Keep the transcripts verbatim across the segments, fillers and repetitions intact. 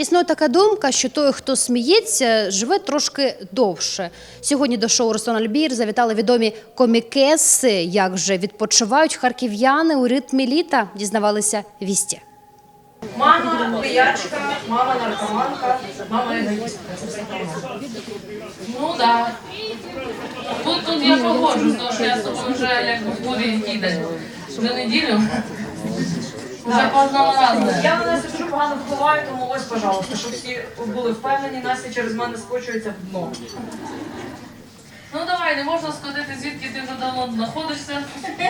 Існує така думка, що той, хто сміється, живе трошки довше. Сьогодні до шоу «Руслан Альбір» завітали відомі комікеси. Як же відпочивають харків'яни у ритмі літа, дізнавалися «Вісті». Мама пиячка, мама наркоманка, мама эгоистка. Ну да. Тут, тут я погоджусь, тому що я з тобою вже як в бурі кидаю. Вже неділю. Вже по одному разу. Я на Настю дуже погано впливаю, тому ось, пожалуйста, щоб всі були впевнені, Настя через мене скочується в дно. Ну давай, не можна сходити, звідки ти вже давно знаходишся.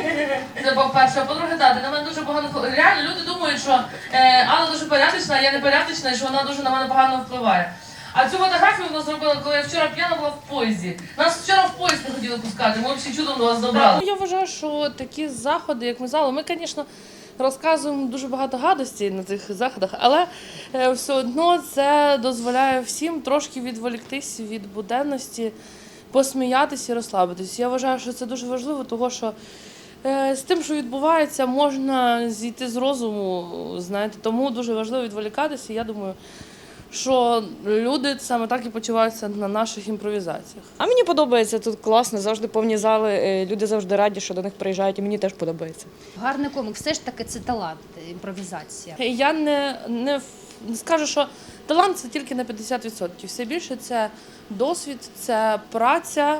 Це по-перше. А по-друге, так, ти на мене дуже погано впливає. Реально, люди думають, що е, Алла дуже порядочна, а я не порядочна, і що вона дуже на мене погано впливає. А цю фотографію вона зробила, коли я вчора п'яна була в поїзді. Нас вчора в поїзд не хотіли пускати, ми взагалі чудом до вас добрали. Я вважаю, що такі заходи, як ми зали, ми, звісно, розказуємо дуже багато гадостей на цих заходах, але е, все одно це дозволяє всім трошки відволіктись від буденності, посміятися і розслабитись. Я вважаю, що це дуже важливо, тому що е, з тим, що відбувається, можна зійти з розуму, знаєте, тому дуже важливо відволікатися. Я думаю, що люди саме так і почуваються на наших імпровізаціях. А мені подобається, тут класно, завжди повні зали, люди завжди раді, що до них приїжджають, і мені теж подобається. Гарний комік, все ж таки це талант, імпровізація. Я не, не, не скажу, що талант – це тільки на п'ятдесят відсотків. Все більше – це досвід, це праця.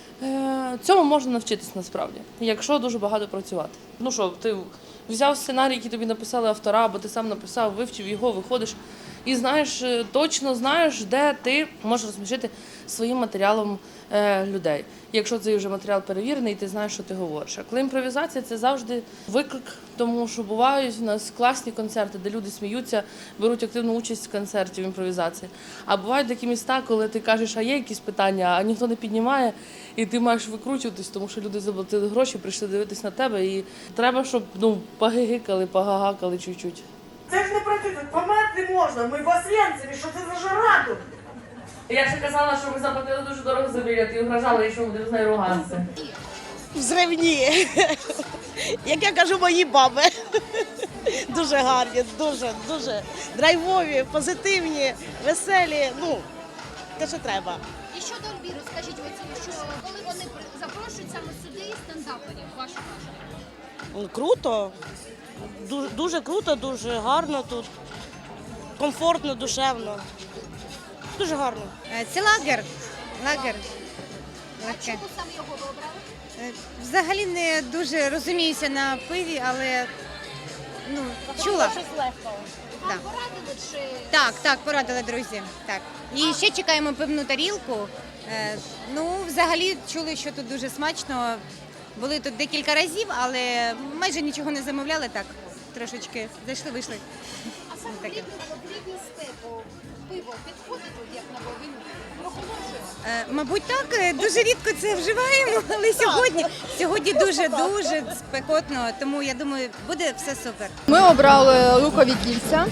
Е, Цьому можна навчитись насправді, якщо дуже багато працювати. Ну що, ти взяв сценарій, який тобі написали автора, або ти сам написав, вивчив його, виходиш і знаєш, точно знаєш, де ти можеш розсмішити своїм матеріалом е, людей. Якщо цей вже матеріал перевірений, ти знаєш, що ти говориш. А коли імпровізація – це завжди виклик, тому що бувають у нас класні концерти, де люди сміються, беруть активну участь в концерті в імпровізації. А бувають такі міста, коли ти кажеш, а є якісь питання, а ніхто не піднімає, і ти маєш викручуватись, тому що люди заплатили гроші, прийшли дивитись на тебе, і треба, щоб ну, погигикали, погагакали чуть-чуть. Це ж не працює, померти можна, ми в Освенцимі, що це за жара тут? Я ще казала, що ми заплатили дуже дорого за білет і вражали, що ми будемо з нею ругатися. Взривні, як я кажу, мої баби. Дуже гарні, дуже, дуже драйвові, позитивні, веселі, ну, те, що треба. І щодо Альбіру, скажіть, оці, що коли вони при- запрошують саме сюди стендаперів, вашу вашу? Ну, круто, дуже, дуже круто, дуже гарно тут, комфортно, душевно. Дуже гарно. Це лагер. Лагер. А чому саме його ви обрали? Е, Взагалі не дуже розуміюся на пиві, але ну, чула. Вам Да. порадили чи... Так, так, порадили друзі. Так. І ще чекаємо пивну тарілку. Е, Ну, взагалі чули, що тут дуже смачно. Були тут декілька разів, але майже нічого не замовляли так. Трошечки зайшли, вийшли. А саме в таке. літню, в літню степу пиво підходить, от як на він прохолоджує? Е, Мабуть, так, е, дуже рідко це вживаємо, але сьогодні, сьогодні дуже-дуже спекотно, тому я думаю, буде все супер. Ми обрали лукові кільця,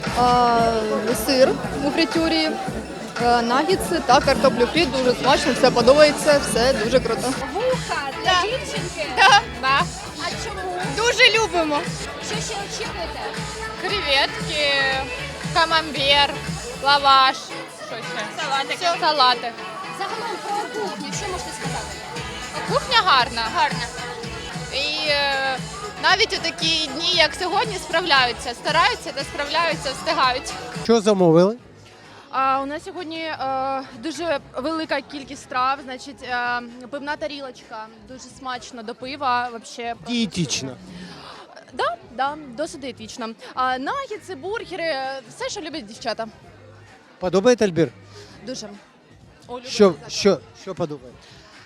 а, сир у фритюрі, а, наггетси та картоплю фрі. Дуже смачно, все подобається, все дуже круто. Вуха для дівчинки? Да, да. А чому? Дуже любимо. Що ще очікуєте? Креветки, камамбер, лаваш, що ще? Салатик. Салатик. Загалом про кухню, що можете сказати? Кухня гарна. Гарна. І е, навіть у такі дні, як сьогодні, справляються, стараються та справляються, встигають. Що замовили? А у нас сьогодні е, дуже велика кількість страв, значить, е, пивна тарілочка, дуже смачно до пива. Вообще, Дієтично. да, да, досить дієтично. А наггетси, бургери, все, що люблять дівчата. Подобається Альбір? Дуже. О, люблю Що, дуже. що, що подобається?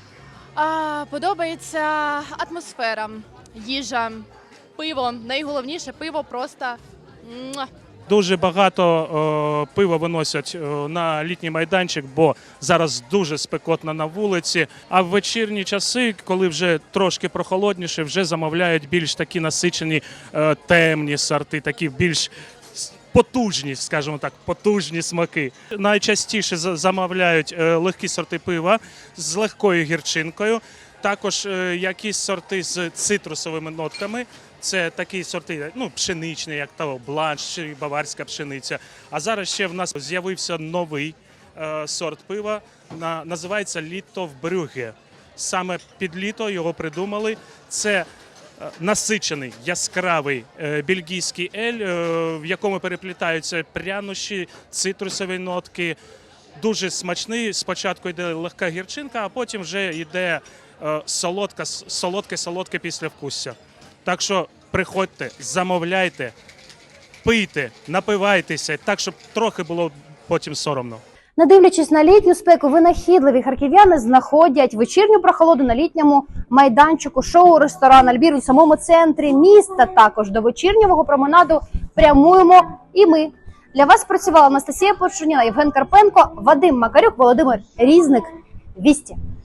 А, подобається атмосфера, їжа, пиво. Найголовніше пиво просто. Муа. Дуже багато е, пива виносять е, на літній майданчик, бо зараз дуже спекотно на вулиці. А в вечірні часи, коли вже трошки прохолодніше, вже замовляють більш такі насичені е, темні сорти, такі більш с- потужні, скажімо так, потужні смаки. Найчастіше за- замовляють е, легкі сорти пива з легкою гірчинкою. Також е, якісь сорти з цитрусовими нотками Це такі сорти, ну, пшеничні, як то бланш чи баварська пшениця. А зараз ще в нас з'явився новий е, сорт пива, на, називається Літовбрюге. Саме під літо його придумали. Це е, насичений, яскравий е, бельгійський ель, е, в якому переплітаються прянощі, цитрусові нотки. Дуже смачний. Спочатку йде легка гірчинка, а потім вже йде е, солодка, солодке-солодке післявкусся. Так що приходьте, замовляйте, пийте, напивайтеся, так, щоб трохи було потім соромно. Не дивлячись на літню спеку, винахідливі харків'яни знаходять вечірню прохолоду на літньому майданчику шоу-ресторан «Альбір» у самому центрі міста. Також до вечірнього променаду прямуємо і ми. Для вас працювала Анастасія Почуніна, Євген Карпенко, Вадим Макарюк, Володимир Різник. Вісті.